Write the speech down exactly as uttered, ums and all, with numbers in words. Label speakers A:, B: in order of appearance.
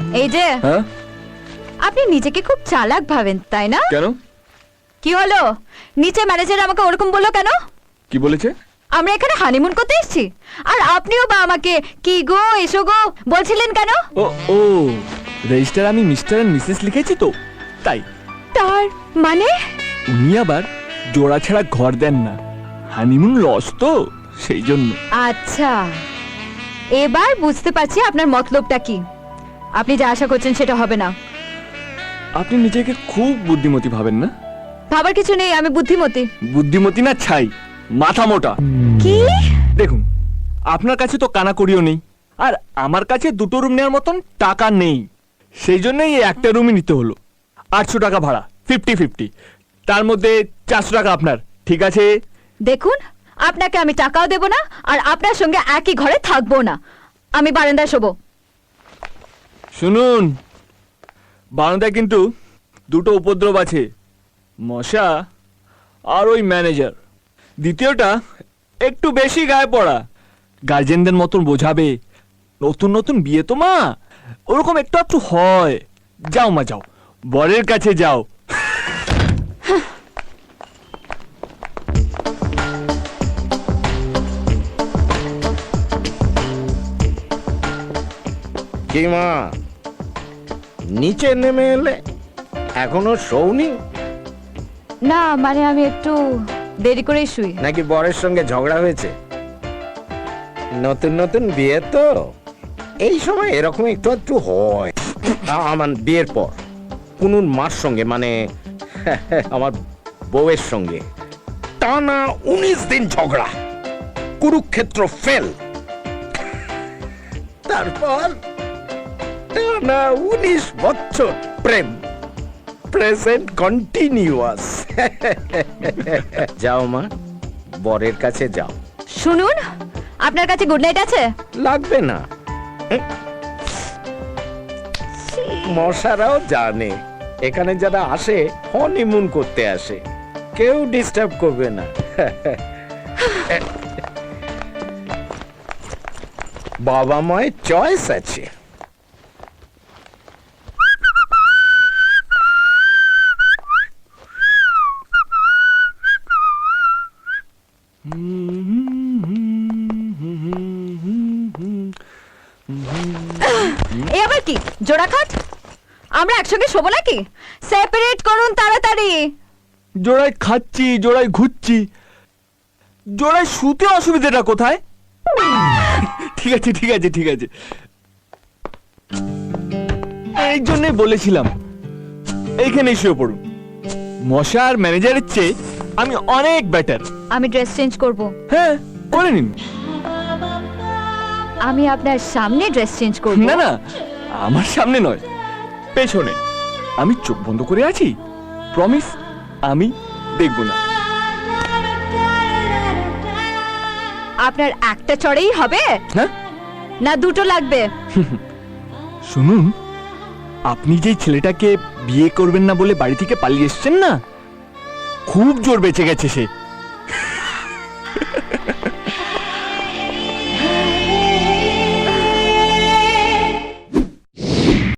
A: এই যে
B: হ্যাঁ
A: আপনি নিজেকে খুব চালাক ভাবেন তাই না?
B: কেন?
A: কি হলো? নিচে ম্যানেজার আমাকে ওরকম বললো কেন?
B: কি বলেছে?
A: আমরা এখানে হানিমুন করতে এসেছি, আর আপনিও বা আমাকে কি গো এসো গো বলছিলেন কেন?
B: ও ও রেজিস্টার আমি মিস্টার এন্ড মিসেস লিখেছি তো, তাই।
A: তার মানে
B: উনি আবার জোড়া ছাড়া ঘর দেন না, হানিমুন লস তো, সেই জন্য।
A: আচ্ছা, এবার বুঝতে পারছি আপনার মতলবটা কি। আপনি যা আশা করছেন সেটা হবে না।
B: আপনি নিজেকে খুব বুদ্ধিমতী ভাবেন না?
A: ভাবার কিছু নেই, আমি বুদ্ধিমতী।
B: বুদ্ধিমতী না ছাই, মাথা মোটা।
A: কি?
B: দেখুন, আপনার কাছে তো কানাকড়িও নেই, আর আমার কাছে দুটো রুম নেওয়ার মতন টাকা নেই, সেই জন্যই এই একটা রুমই নিতে হলো। আটশো টাকা ভাড়া, ফিফটি ফিফটি, তার মধ্যে চারশো টাকা আপনার, ঠিক আছে?
A: দেখুন, আপনাকে আমি টাকাও দেব না, আর আপনার সঙ্গে একই ঘরে থাকবো না। আমি বারান্দায় শোবো।
B: শুনুন, বারান্দায় কিন্তু দুটো উপদ্রব আছে, মশা আর ওই ম্যানেজার। দ্বিতীয়টা একটু বেশি গায়ে পড়া, গার্জেনদের মতন বোঝাবে। নতুন নতুন বিয়ে তো মা, ওরকম একটু একটু হয়। যাও মা যাও, বরের কাছে যাও।
C: কি মা, নিচে নেমে এলে? এখনো শোওনি
A: না, মানে আমি একটু দেরি করেই শুই।
C: নাকি বরের সঙ্গে ঝগড়া হয়েছে? নতুন নতুন বিয়ে তো, এই সময় এরকম একটু একটু হয়। আ- আমার বিয়ের পর কুনুর মার সঙ্গে, মানে আমার বউয়ের সঙ্গে টানা উনিশ দিন ঝগড়া, কুরুক্ষেত্র ফেল। তারপর টানা উনিশ বছর প্রেম, প্রেজেন্ট কন্টিনিউয়াস। যাও মা, বরের কাছে যাও।
A: শুনুন, আপনার কাছে গুড নাইট আছে?
C: লাগবে না, মশারাও জানে এখানে যারা আসে হনিমুন করতে আসে, কেউ ডিস্টার্ব করবে না। বাবা মায়ের চয়েস আছে।
A: এই আবার কি জোড়া খাট? আমরা একসঙ্গে শোবো নাকি? সেপারেট করুন তাড়াতাড়ি।
B: জোড়ায় খাচ্ছি, জোড়ায় ঘুরছি, জোড়ায় শুতে অসুবিধাটা কোথায়? ঠিক আছে ঠিক আছে ঠিক আছে, এই জন্যই বলেছিলাম এইখানে শুয়ে পড়ুন। মশা আর ম্যানেজারের চেয়ে আমি অনেক বেটার।
A: আমি ড্রেস চেঞ্জ করব।
B: হ্যাঁ, করে নিন।
A: আমি আপনার সামনে ড্রেস চেঞ্জ করব।
B: না না, আমার সামনে নয়, পেছনে। আমি চোখ বন্ধ করে আছি, প্রমিস আমি দেখব না।
A: আপনার একটা চড়েই হবে
B: হ্যাঁ,
A: না দুটো লাগবে?
B: শুনুন, আপনি যেই ছেলেটাকে বিয়ে করবেন না বলে বাড়ি থেকে পালিয়ে এসছেন না, খুব জোর বেঁচে গেছে সে।